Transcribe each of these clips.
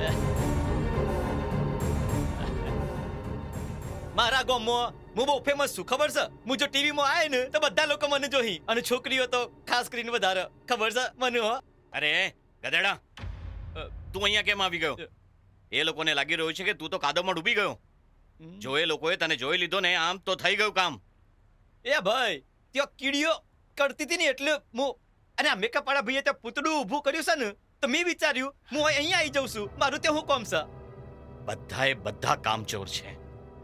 મારા ગામમાં હું બહુ ફેમસ છું, ખબર છે? હું જો ટીવીમાં આવે ને તો બધા લોકો મને જોહી, અને છોકરીઓ તો ખાસ કરીને વધારે, ખબર છે મને? હો અરે ગધેડા, તું અહીંયા કેમ આવી ગયો? એ લોકોને લાગી રહ્યું છે કે તું તો કાદવમાં ડૂબી ગયો. જો એ લોકોએ તને જોઈ લીધો ને, આમ તો થઈ ગયું કામ. એ ભાઈ, ત્યાં કીડીઓ કરતી હતી ને એટલે હું, અને આ મેકઅપ વાળા ભાઈએ ત્યાં પૂતળું ઊભું કર્યું છે ને, તો મેં વિચાર્યું હું અહીંયા આવી જાઉં છું, મારું ત્યાં હું કોમ છે? બધાએ બધા કામચોર છે.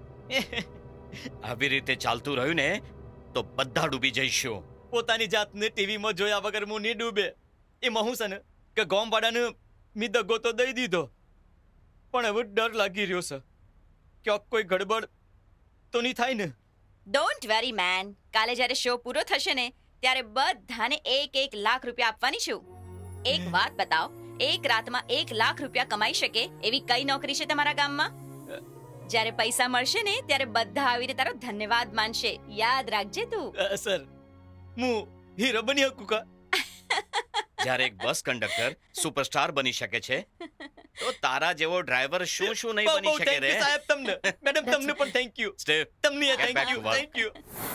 આવી રીતે ચાલતું રહ્યું ને તો બધા ડૂબી જઈશું. પોતાની જાતને ટીવીમાં જોયા વગર હું નહીં ડૂબે. એમાં હું છે ને કે ગામ વાળાને મેં દગો તો દઈ દીધો, પણ હવે ડર લાગી રહ્યો છે ક્યાંક કોઈ ગડબડ તો નહીં થાય ને. ડોન્ટ વેરી મેન, કાલે જ્યારે શો પૂરો થશે ને ત્યારે બધાને 1 લાખ રૂપિયા આપવાની છું. એક વાત બતાવ, એક રાતમાં 1 લાખ રૂપિયા કમાઈ શકે એવી કઈ નોકરી છે તમારા ગામમાં? જ્યારે પૈસા મળશે ને ત્યારે બધા આવીને તારો ધન્યવાદ માનશે, યાદ રાખજે તું. સર, હું હીરો બની શકું કા? જ્યારે એક બસ કંડક્ટર સુપરસ્ટાર બની શકે છે તો તારા જેવો ડ્રાઈવર શું શું નહીં બની શકે રે. સાહેબ તમને, મેડમ તમને પણ થેન્ક યુ. સ્ટેવ, તમને Get back thank you, to work. Thank you.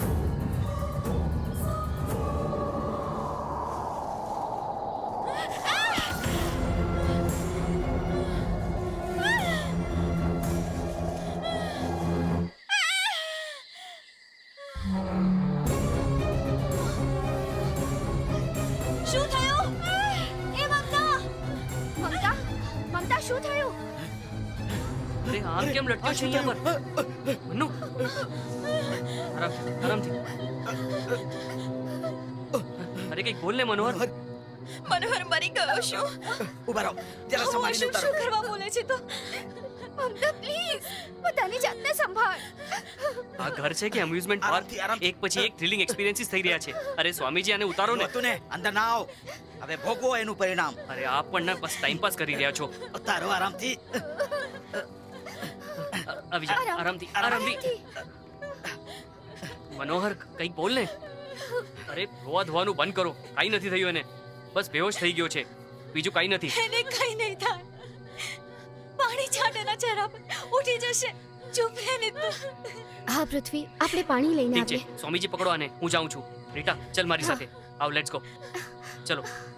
શું થયું? એ મમતા, મમતા, મમતા શું થયું? અરે આમ કેમ લટક્યો છે અહીંયા પર? મનુ, આરામથી. અરે કઈક બોલ ને મનોહર. મનોહર મરી ગયો. શું ઉભા રહો, જરા સંભાળીને શું ઉતારો. કરવા બોલે છે તો? મમતા પ્લીઝ પોતાની જાતને સંભાળ. આ ઘર છે કે એમ્યુઝમેન્ટ પાર્ક? આરામથી, આરામથી. એક પછી એક થ્રિલિંગ એક્સપિરિયન્સીસ થઈ રહ્યા છે. અરે સ્વામીજી આને ઉતારો ને. તું ને અંદર ના આવ, હવે ભોગવો એનું પરિણામ. અરે આપ પણ ના બસ ટાઈમ પાસ કરી રહ્યા છો. તારો આરામથી. આવી જા, આરામથી. મનોહર કંઈક બોલ ને. અરે રોવા ધોવાનું બંધ કરો, કાઈ નથી થયું એને. બસ બેહોશ થઈ ગયો છે, બીજું કાઈ નથી. એને કઈ નહીં થાય. પાણી છાંટ એના ચહેરા પર, ઉઠી જશે. ચૂપ રહે ને તું. હા પૃથ્વી, આપણે પાણી લઈને ઠીક છે, આવીએ. સ્વામીજી પકડો આને, હું જાઉં છું. રીટા ચલ મારી સાથે, આવ લેટ્સ ગો. ચલો.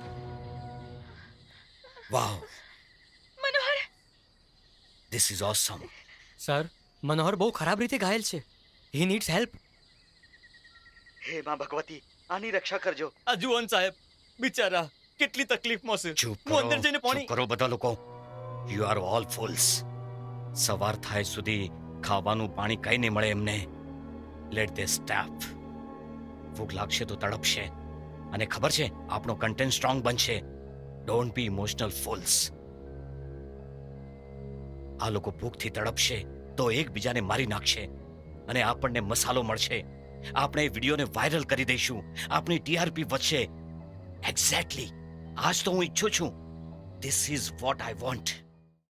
Wow, Manohar, this is awesome. Sir, Manohar બહુ ખરાબ રીતે ઘાયલ છે. He needs help. હે માં ભગવતી, આની રક્ષા કરજો. આ જુઓન સાહેબ, બિચારા કેટલી તકલીફમાં છે. ચૂપ હું અંદર જઈને કરો, પાણી. ચૂપ કરો બધા લોકો. You are all fools. સવાર થાય સુધી ખાવાનું પાણી કઈ નહીં મળે એમને. Let they starve. ભૂખ લાગશે તો તડપશે, અને ખબર છે આપણો કન્ટેન્ટ સ્ટ્રોંગ બનશે. Don't be emotional fools. આ લોકો ભૂખથી તડપશે તો એકબીજાને મારી નાખશે, અને આપણને મસાલો મળશે. આપણે વિડીયોને વાયરલ કરી દઈશું, આપણી ટીઆરપી વધશે. એક્ઝેક્ટલી આજ તો હું ઈચ્છું છું. This is what I want.